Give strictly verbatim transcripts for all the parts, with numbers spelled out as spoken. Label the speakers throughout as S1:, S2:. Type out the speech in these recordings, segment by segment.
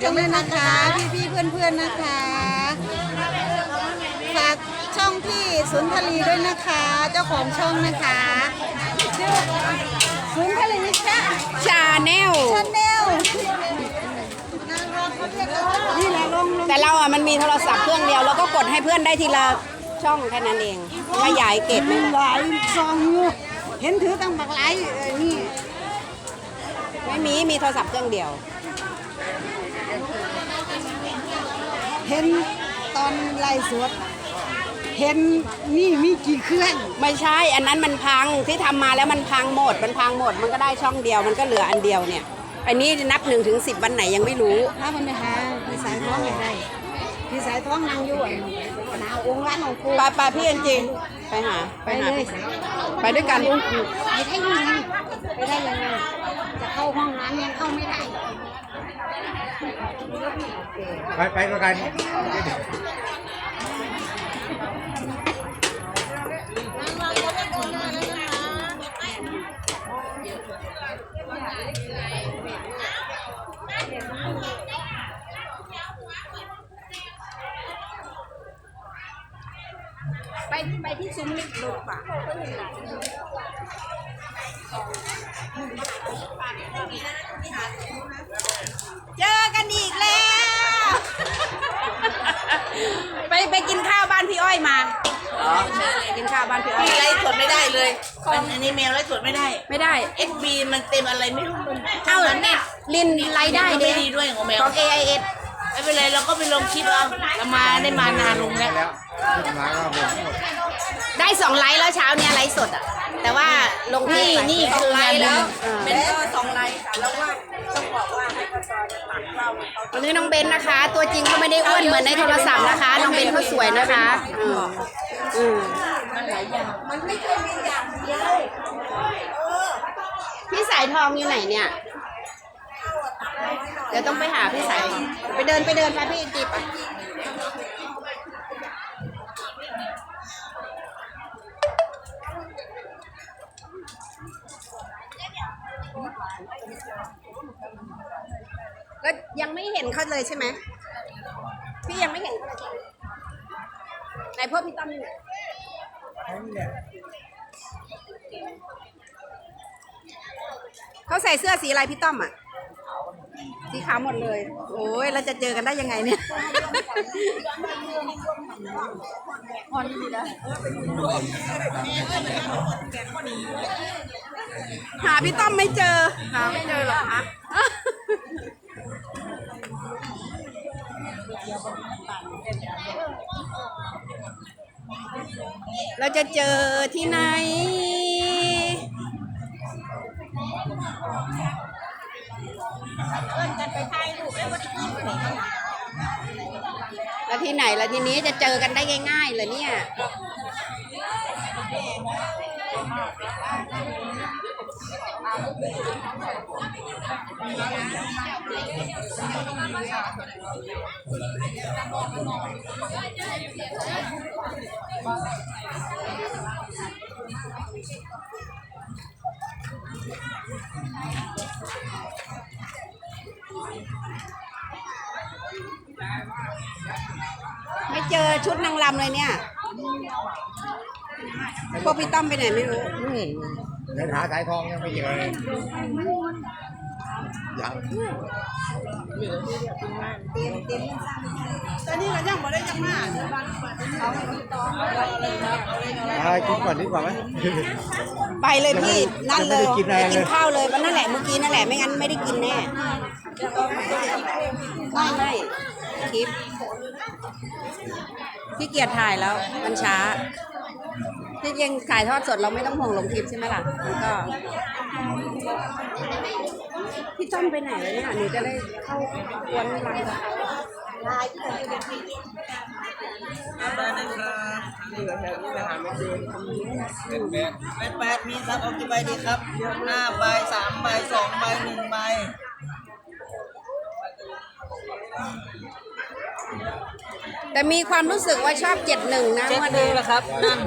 S1: กันเลยนะคะพี่พี่เพื่อนเพื่อนๆนะคะฝากช่องพี่สุนทรีด้วยนะคะ เจ้าของช่องนะคะชื่อสุนทรีชา
S2: ชาแนล
S1: ชาแนลนี่แหละลงลง
S2: แต่เราอ่ะมันมีโทรศัพท์เครื่องเดียวแล้วก็กดให้เพื่อนได้ทีละช่องแค่นั้นเองขยายเกตไม่ได้
S1: หลายซองอยู่เห็นถือตั้งบักหลายนี่
S2: ไม่มีมีโทรศัพท์เครื่องเดียว
S1: เห็นตอนไล่สดเห็นนี่มีกี่เครื่อง
S2: ไม่ใช่อันนั้นมันพังที่ทำมาแล้วมันพังหมดมันพังหมดมันก็ได้ช่องเดียวมันก็เหลืออันเดียวเนี่ยอันนี้นับหนึ่งถึงสิบวันไหนยังไม่รู้
S1: ถ้ามันไปหาพี่สายท้องไม่ได้พี่สายท้องนั่งอยู่หนาองค์ร้านของกู
S2: ไปไปพี่จริงไปหา
S1: ไปเลย
S2: ไปด้วยกัน
S1: ไปได้ยังไงไปได้ยังไงจะเข้าห้องน้ำยังเข้าไม่ได้
S3: ไปไปด้วยกัน
S2: ไปไปที่ซุ้มลิฟต์ดูป่ะเจอกันอีกแล้วไปไปกินข้าวบ้านพี่อ้อยมา
S4: อ๋อ
S2: กินข้าวบ้านพี่อ้อย
S4: ไลฟ์สดไม่ได้เลยอันนี้แมวไลฟ์สดไม่ได้
S2: ไม่ได้
S4: เอ็กซ์ บี มันเต็มอะไรไม่รู้มัน
S2: เอ้าเน็ตลินไลได้
S4: ไม่ดีด้วยของแมว
S2: ของ เอ ไอ เอส
S4: ไม่เป็นไรเราก็ไปลงคลิปเอาเรามาได้มานานลงแล้ว
S2: ได้สองไลค์แล้วเช้าเนี้ยไลฟ์สดอ่ะแต่ว่าลงที่นี่คือไลค์แล้ว
S4: เป็นก็สองไลค์ค่ะแล้วว่าต้องบอกว่าให้กระจายตัดเรา
S2: วันนี้น้องเบนนะคะ ตัวจริงเขาไม่ได้อ้วนเหมือนในโทรศัพท์นะคะน้องเบนเขาสวยนะคะอืมอืม
S4: มันหลายอย่างมันไม่ใช่มีอย่างเดียว
S2: พี่สายทองอยู่ไหนเนี่ยเดี๋ยวต้องไปหาพี่สายไปเดินไปเดินไปพี่จีบอ่ะก็ยังไม่เห็นเขาเลยใช่ไหมพี่ยังไม่เห็นเขาเลยไหนพวกพี่ตั้มเนี่ยเขาใส่เสื้อสีอะไรพี่ต้อมอ่ะสีขาวหมดเลยโอ้ยเราจะเจอกันได้ยังไงเนี่ยหาพี่ต้อมไม่เจอหาไม่เจอหรอคะเราจะเจอที่ไหนแล้วที่ไหนแล้วทีนี้จะเจอกันได้ง่ายๆเลยเนี่ยไม่เจอชุดนางรำเลยเนี่ยพวกพี่ต้อมไปไหนไม่รู้
S3: เดินหาสายทองยังไม่เจอเลยยัง
S1: ตอนนี้เรายังไม่ได้ยังมา
S3: เอากินก่อนดีกว่าไหม
S2: ไปเลยพี่นั่นเลยกินข้าวเลยวันนั่นแหละเมื่อกี้นั่นแหละไม่งั้นไม่ได้กินแน่ไม่ไม่คลิปพี่เกียรถ่ายแล้วมันช้าที่ยังถ่ายทอดสดเราไม่ต้องห่วงลงคลิปใช่ไหมล่ะมันก็พี่ต้อมไปไหนแล้วเนี่ยหนูจะได้เข้าวนรัง
S4: ได้นะครับเหลือแถวนี้ไปหาไม่เจอเป็นแปดเป็นแปดมีซับเอากี่ใบดีครับห้าใบสามใบสองใบหนึ่งใบ
S2: แต่มีความรู้สึกว่าชอบเจ็ดหนึ่งนะ
S4: เจ็ดหนึ่งนะครับนั่น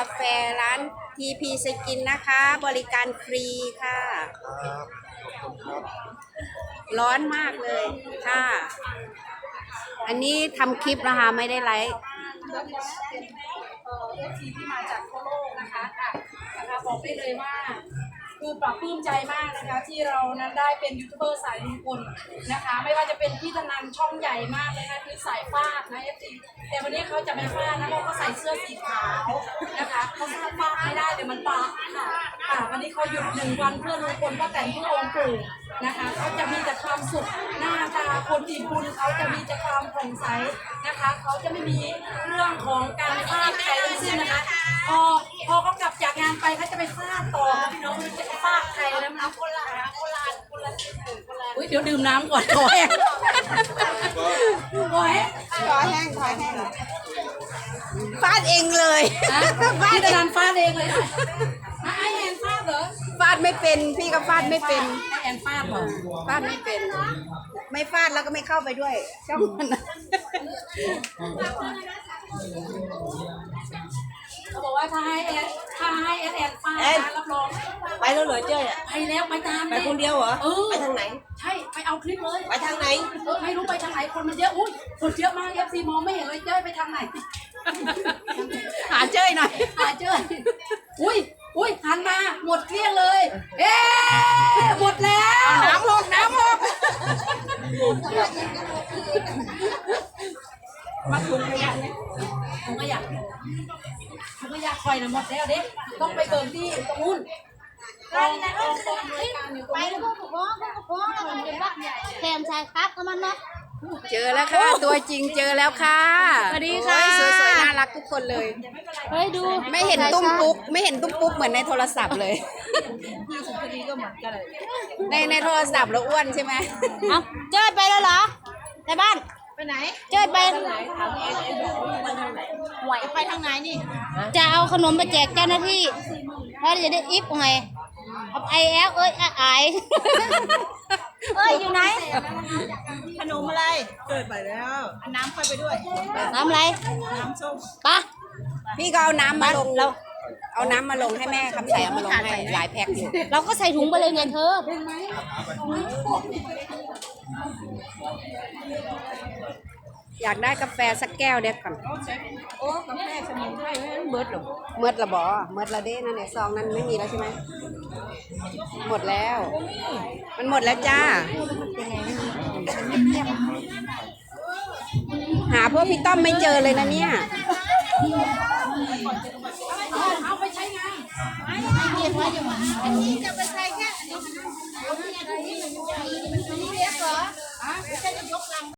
S2: าแฟร้าน ที พี Skin นะคะ บริการฟรีค่ะ
S3: ครับขอบคุณครับ
S2: ร้อนมากเลยค่ะ อันนี้ทำคลิปนะคะไม่ได้ไลฟ์
S5: เอ่อฟซีที่มาจากทั่วโลกนะคะค่ะนะคะบอกได้เลยว่า คือปรับปลื้มใจมากนะคะที่เรานั้นได้เป็นยูทูบเบอร์สายลุงพลนะคะ ไม่ว่าจะเป็นพี่ธนันช่องใหญ่มากเลยนะคือสายฟาดนะเอฟซีแต่วันนี้เขาจะไม่ฟาดนะเพราะเขาใส่เสื้อสีขาวนะคะเขาฟาดฟาดไม่ได้เดี๋ยวมันบาดค่ะค่ะวันนี้เขาหยุดหนึ่งวันเพื่อลุงพลป้าแตนเพื่อองค์ปู่นะคะเขาจะมีแต่ความสุขหน้าตาคนอิ่มบุญเขาจะมีแต่ความผ่องใสนะคะเขาจะไม่มีเรื่องของการฟาดใครทั้งสิ้นนะคะพอพอเขากลับจากงานไปเขาจะไปฟาดต่อพี่น้องจะฟาดใครแล้วน้ำโบราณโบราณคนละคนละอุ้ยเดี๋ยวดื่มน้ำก่อนขอแห้งขอแห้ง
S2: ขอแห้งขอแห้งฟาดเองเลย
S5: นะพี่ตะนันฟาดเองเลยนะไอแอนฟาดเหรอ
S2: ฟาดไม่เป็นพี่ก็ฟาดไม่เป็น
S5: ไอแอนฟาดเหรอ
S2: ฟาดไม่เป็น ไม่ฟาดแล้วก็ไม่เข้าไปด้วยช่องมันนะ
S5: เขาบอกว่าถ้าให้แอนถ้าให้แอนแอนฟาดนะรับรอง
S4: ไปแล้วเหรอเจ้ยอ่ะ
S5: ไปแล้วไปตาม
S4: ไปคนเดียวเหรอ
S5: เออ
S4: ไปทางไหน
S5: ใช่ไปเอาคลิปเลย
S4: ไปทางไหน
S5: เออไม่รู้ไปทางไหนคนมันเยอะอุ้ยคนเยอะมากเอฟซีมองไม่เห็นเลยเจ้ยไปทางไหน
S2: หาเจ้ยหน่อย
S5: หาเจ้ยอุ้ยอุ้ยหันมาหมดเกลี้ยงเลย เอ๊ะหมดแล้ว
S2: น้ำหกน้ำหก
S5: มาถุงขยะเนี่ยถุงขยะถุงขยะคอยนะหมดแล้วเด็กต้องไปเบิกที่ตรงนู้นกองกองกองบริการอยู่ตรง
S6: ไป
S5: นู้น
S6: พวกกับพ่อพวกกับพ่อแล้วมันเป็นว่าแถมชายครับก็มันเนาะ
S2: เจอแล้วค่ะ ตัวจริงเจอแล้วค่ะ
S6: สวัสดีค่ะ
S2: โอ้ยสวยๆน่ารักทุกคนเลย
S6: เฮ้ยดู
S2: ไม่เห็นตุ้มปุ๊กไม่เห็นตุ้มปุ๊กเหมือนในโทรศัพท์เลย
S5: ที่สุพรรณก็เหมือนกันเลย
S2: ในในโทรศัพท์เราอ้วนใช่ไหม
S6: เอาเจ้ยไปแล้วเหรอในบ้านไปไหนเจ้ยไปไหวไปทางไหนนี่จะเอาขนมไปแจกเจ้าหน้าที่แล้วจะได้อิฟไงเอาไอแอลเอ้ยไอเอ้ยอยู่ไหน
S4: ขนมอะไรเกิดไปแล้วอันน้ำค่อยไปด้วย
S6: น้ำอะไร
S4: น้ำส้ม
S6: ปะ
S2: พี่ก็เอาน้ำมาลงเราเอาน้ำมาลงให้แม่คำใส่เอามาลงให้หลายแพ็คอยู่
S6: เราก็ใส่ถุงไปเลยไงเธอ
S2: อยากได้กาแฟสักแก้วเด็ดก่อน
S5: โอ้กาแฟสมุนไพรไม่เบิดหรอก
S2: เมื่อละบอเมื่อละเด้นั่นเนี่ยซองนั้นไม่มีแล้วใช่ไหมหมดแล้ว มันหมดแล้วจ้า หาเพื่อพี่ต้อมไม่เจอเลยนะเนี่ย
S5: เอาไปใช้งาน
S6: เรียนว่าอยู่อันนี้จะไป